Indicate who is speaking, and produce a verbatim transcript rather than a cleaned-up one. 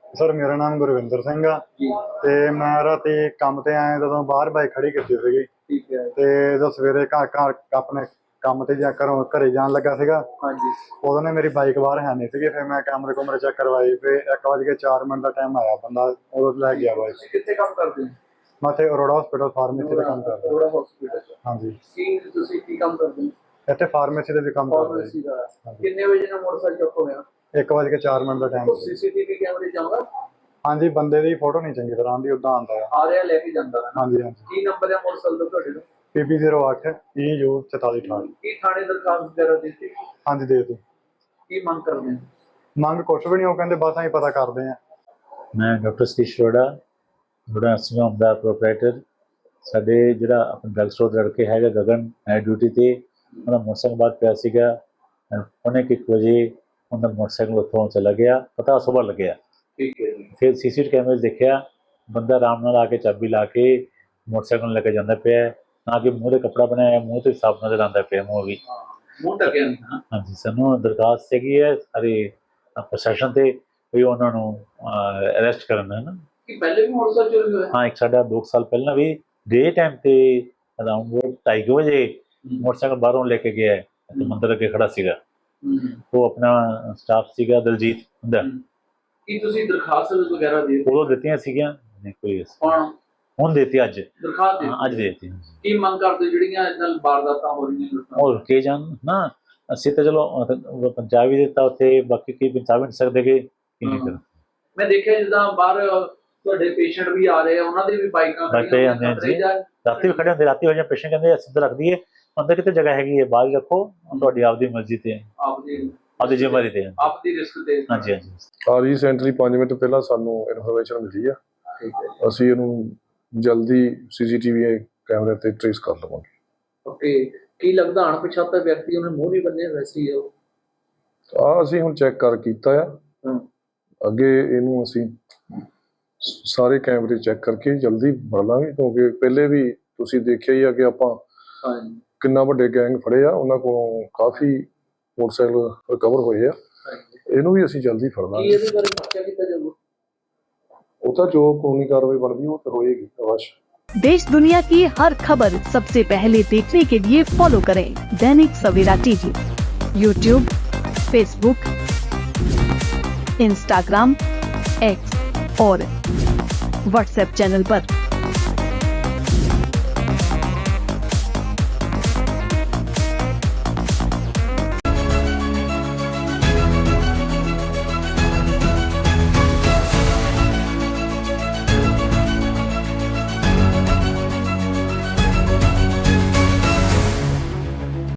Speaker 1: Sir ਮੇਰਾ ਨਾਮ ਗੁਰਵਿੰਦਰ ਸਿੰਘ ਆ
Speaker 2: ਜੀ
Speaker 1: ਤੇ ਮੈਂ ਰਾਤੀ ਕੰਮ ਤੇ ਆਇਆ ਜਦੋਂ ਬਾਹਰ ਬਾਈਕ ਖੜੀ ਕੀਤੀ ਸੀਗੀ
Speaker 2: ਠੀਕ ਹੈ।
Speaker 1: ਤੇ ਜਦੋਂ ਸਵੇਰੇ ਘਰ ਘਰ ਆਪਣੇ ਕੰਮ ਤੇ ਜਾ ਘਰੋਂ ਘਰੇ ਜਾਣ ਲੱਗਾ ਸੀਗਾ
Speaker 2: ਹਾਂਜੀ
Speaker 1: ਉਦੋਂ ਨੇ ਮੇਰੀ ਬਾਈਕ ਬਾਹਰ ਹੈ ਨਹੀਂ ਸੀਗੀ। ਫਿਰ ਮੈਂ ਕੈਮਰੇ ਕੁਮਰੇ ਚੈੱਕ ਕਰਵਾਈ, ਫਿਰ ਇੱਕ ਵਜ ਕੇ ਚਾਰ ਮਿੰਟ ਦਾ ਟਾਈਮ ਆਇਆ, ਬੰਦਾ ਉਦੋਂ ਲੈ ਗਿਆ ਬਾਈਕ।
Speaker 2: ਤੁਸੀਂ ਕਿੱਥੇ ਕੰਮ ਕਰਦੇ ਹੋ?
Speaker 1: ਮੈਂ ਇੱਥੇ ਅਰੋੜਾ ਹਸਪੀਟਲ ਫਾਰਮੇਸੀ ਦਾ ਕੰਮ ਕਰਦਾ।
Speaker 2: ਅਰੋੜਾ ਹਸਪੀਟਲ
Speaker 1: ਹਾਂਜੀ,
Speaker 2: ਕੀ ਤੁਸੀਂ ਕੀ ਕੰਮ ਕਰਦੇ ਹੋ?
Speaker 1: ਇੱਥੇ ਫਾਰਮੇਸੀ ਦੇ ਵੀ ਕੰਮ ਕਰਦਾ
Speaker 2: ਫਾਰਮੇਸੀ ਦਾ। ਕਿੰਨੇ ਵਜੇ ਨਾਲ ਮੋਟਰਸਾਈਕਲ ਚੁੱਕ ਹੋਇਆ?
Speaker 1: ਇੱਕ ਵਜ ਕੇ ਚਾਰ ਮਿੰਟ ਦਾ ਟਾਈਮ।
Speaker 2: ਸੀਸੀਟੀਵੀ ਕੈਮਰੇ ਜਾਊਗਾ?
Speaker 1: ਹਾਂਜੀ, ਬੰਦੇ ਦੀ ਫੋਟੋ ਨਹੀਂ ਚੰਗੀ ਤਰ੍ਹਾਂ ਆਉਂਦੀ, ਉਦਾਂ ਆਉਂਦਾ ਆ।
Speaker 2: ਆ ਰਿਹਾ ਲੈ ਕੇ ਜਾਂਦਾ ਹੈ?
Speaker 1: ਹਾਂਜੀ ਹਾਂਜੀ।
Speaker 2: ਕੀ ਨੰਬਰ ਹੈ ਮੋਟਰਸਾਈਕਲ ਦਾ ਤੁਹਾਡੇ ਦਾ?
Speaker 1: ਪੀ ਪੀ ਜ਼ੀਰੋ ਅੱਠ ਈ ਯੂ ਚੁਤਾਲੀ ਅਠਾਹਠ।
Speaker 2: ਕੀ ਥਾਣੇ ਦਰਖਾਸਤ ਵਗੈਰਾ ਦਿੱਤੀ?
Speaker 1: ਹਾਂਜੀ ਦੇ ਦਿਓ।
Speaker 2: ਕੀ ਮੰਗ ਕਰਦੇ ਹੋ?
Speaker 1: ਮੰਗ ਕੁਛ ਵੀ ਨਹੀਂ, ਉਹ ਕਹਿੰਦੇ ਬਸ ਅਸੀਂ ਪਤਾ ਕਰਦੇ ਹਾਂ।
Speaker 3: ਮੈਂ doctor Satish Arora, Arora nursing home ਦਾ ਪ੍ਰੋਪਰਾਈਟਰ। ਸਾਡੇ ਜਿਹੜਾ ਆਪਣਾ ਡਰੱਗ ਸਟੋਰ ਦਾ ਲੜਕੇ ਹੈਗਾ ਗਗਨ, ਨਾਈਟ ਡਿਊਟੀ 'ਤੇ, ਉਹਦਾ ਮੋਟਰਸਾਈਕਲ ਬਾਅਦ ਪਿਆ ਸੀਗਾ। ਪੌਣੇ ਕੁ ਇੱਕ ਵਜੇ ਉਹਦਾ ਮੋਟਰਸਾਈਕਲ ਉੱਥੋਂ ਚਲਾ ਗਿਆ, ਪਤਾ ਸੁਬਾਹ ਲੱਗਿਆ।
Speaker 2: ਠੀਕ ਹੈ ਜੀ।
Speaker 3: ਫਿਰ ਸੀ ਸੀ ਟੀ ਕੈਮਰੇ 'ਚ ਦੇਖਿਆ ਬੰਦਾ ਆਰਾਮ ਨਾਲ ਆ ਕੇ ਚਾਬੀ ਲਾ ਕੇ ਮੋਟਰਸਾਈਕਲ ਨੂੰ ਲੈ ਕੇ ਜਾਂਦਾ ਪਿਆ, ਨਾ ਕਿ ਮੂੰਹ 'ਤੇ ਕੱਪੜਾ ਬਣਾਇਆ, ਮੂੰਹ 'ਤੇ ਸਾਫ ਨਜ਼ਰ ਆਉਂਦਾ ਪਿਆ ਮੂੰਹ ਵੀ।
Speaker 2: ਮੂੰਹ ਢੱਕਿਆ ਨਹੀਂ ਨਾ?
Speaker 3: ਹਾਂਜੀ, ਸਾਨੂੰ ਦਰਖਾਸਤ ਹੈਗੀ ਹੈ ਸਾਰੇ ਪ੍ਰਸ਼ਾਸਨ 'ਤੇ ਵੀ ਉਹਨਾਂ ਨੂੰ ਅਰੈਸਟ ਕਰਨ ਹੈ ਨਾ।
Speaker 2: ਕਿ ਪਹਿਲੇ ਵੀ ਮੋਟਰਸਾਈਕਲ ਚੋਰੀ ਹੋਇਆ?
Speaker 3: ਹਾਂ, ਇੱਕ ਸਾਡਾ ਦੋ ਸਾਲ ਪਹਿਲਾਂ ਵੀ ਡੇ ਟਾਈਮ ਤੇ ਅਰਾਊਂਡ ਢਾਈ ਕੁ ਵਜੇ ਮੋਟਰਸਾਈਕਲ ਬਾਹਰੋਂ ਲੈ ਕੇ ਗਿਆ ਤੇ ਮੰਦਰ ਅੱਗੇ ਖੜਾ ਸੀਗਾ। ਉਹ ਆਪਣਾ ਸਟਾਫ ਸੀਗਾ ਦਲਜੀਤ ਹੁੰਦਾ।
Speaker 2: ਕੀ ਤੁਸੀਂ ਦਰਖਾਸਤ ਵਗੈਰਾ ਦੇ
Speaker 3: ਉਦੋਂ ਦਿੱਤੀਆਂ ਸੀਗੀਆਂ? ਨਹੀਂ ਕੋਈ
Speaker 2: ਕੌਣ
Speaker 3: ਹੁਣ ਦੇਤੀ ਅੱਜ?
Speaker 2: ਦਰਖਾਸਤ
Speaker 3: ਹਾਂ, ਅੱਜ
Speaker 2: ਦੇ
Speaker 3: ਦੇਤੀ।
Speaker 2: ਕੀ ਮੰਗ ਕਰਦੇ ਜਿਹੜੀਆਂ ਇਹਨਾਂ ਵਾਰਦਾਤਾਂ ਹੋ ਰਹੀਆਂ ਲੁੱਟਾਂ?
Speaker 3: ਉਹ ਰੁਕੇ ਜਾਣ ਨਾ। ਅਸੀਂ ਤਾਂ ਚਲੋ ਪੰਜਾਬ ਵੀ ਦਿੱਤਾ ਉੱਥੇ, ਬਾਕੀ ਕੀ ਪੰਜਾਬ ਨਹੀਂ ਸਕਦੇ ਕਿ ਕੀ ਨਹੀਂ ਕਰ।
Speaker 2: ਮੈਂ ਦੇਖਿਆ ਜਿੱਦਾਂ ਬਾਹਰ ਤੁਹਾਡੇ ਪੇਸ਼ੈਂਟ ਵੀ ਆ ਰਹੇ ਆ, ਉਹਨਾਂ ਦੀ ਵੀ ਬਾਈਕਾਂ
Speaker 3: ਬੈਠੇ ਜਾਂਦੇ ਆ ਜੀ, ਰਾਤੀ ਵੀ ਖੜੇ ਹੁੰਦੇ। ਰਾਤੀ ਹੋ ਜਾਂ ਪੇਸ਼ੈਂਟ ਕਹਿੰਦੇ ਅਸੀਂ ਤਾਂ ਰੱਖ ਦਈਏ, ਅੰਦਰ ਕਿਤੇ ਜਗ੍ਹਾ ਹੈਗੀ ਹੈ, ਬਾਹਰ ਰੱਖੋ, ਤੁਹਾਡੀ ਆਪਦੀ ਮਰਜ਼ੀ ਤੇ ਹੈ,
Speaker 2: ਆਪਦੀ
Speaker 3: ਆਪਦੀ ਜ਼ਿੰਮੇਵਾਰੀ ਤੇ ਹੈ।
Speaker 2: ਆਪਦੀ ਰਿਸਕ ਤੇ।
Speaker 3: ਹਾਂਜੀ ਹਾਂਜੀ।
Speaker 4: ਆ ਰੀਸੈਂਟਲੀ ਪੰਜ ਮਿੰਟ ਪਹਿਲਾਂ ਸਾਨੂੰ ਇਨਫੋਰਮੇਸ਼ਨ ਮਿਲੀ ਆ, ਅਸੀਂ ਇਹਨੂੰ ਜਲਦੀ ਸੀਸੀਟੀਵੀ ਕੈਮਰੇ ਤੇ ਟ੍ਰੇਸ ਕਰ ਲਵਾਂਗੇ।
Speaker 2: ਓਕੇ, ਕੀ ਲੱਗਦਾ ਅਣਪਛਾਤਾ ਵਿਅਕਤੀ ਉਹਨੇ ਮੂੰਹ ਨਹੀਂ ਬੰਨਿਆ ਵੈਸੇ ਹੀ ਉਹ?
Speaker 4: ਆ ਅਸੀਂ ਹੁਣ ਚੈੱਕ ਕਰ ਕੀਤਾ ਆ, ਅੱਗੇ ਇਹਨੂੰ ਅਸੀਂ ਸਾਰੇ ਕੈਮਰੇ ਚੈੱਕ ਕਰਕੇ ਜਲਦੀ ਫੜ ਲਾਂਗੇ, ਕਿਉਂਕਿ ਪਹਿਲੇ ਵੀ ਤੁਸੀਂ ਦੇਖਿਆ ਹੀ ਆ ਕਿ ਆਪਾਂ ਕਿੰਨਾ ਵੱਡੇ ਗੈਂਗ ਫੜੇ ਆ, ਉਹਨਾਂ ਕੋਲੋਂ ਕਾਫੀ ਮੋਟਰਸਾਈਕਲ ਰਿਕਵਰ ਹੋਏ ਆ। ਇਹਨੂੰ ਵੀ ਅਸੀਂ ਜਲਦੀ ਫੜ ਲਾਂਗੇ।
Speaker 2: ਇਹਦੇ ਬਾਰੇ ਪਤਾ ਕੀਤਾ ਜਾਊਗਾ?
Speaker 4: ਉਹ ਤਾਂ ਜੋ ਕਾਨੂੰਨੀ ਕਾਰਵਾਈ ਬਣਦੀ ਉਹ ਤਾਂ ਹੋਏਗੀ ਅਵश्य।
Speaker 5: देश दुनिया की हर खबर सबसे पहले देखने के लिए फॉलो करें Dainik Savera TV, YouTube, Facebook, Instagram, X और व्हाट्सएप चैनल पर।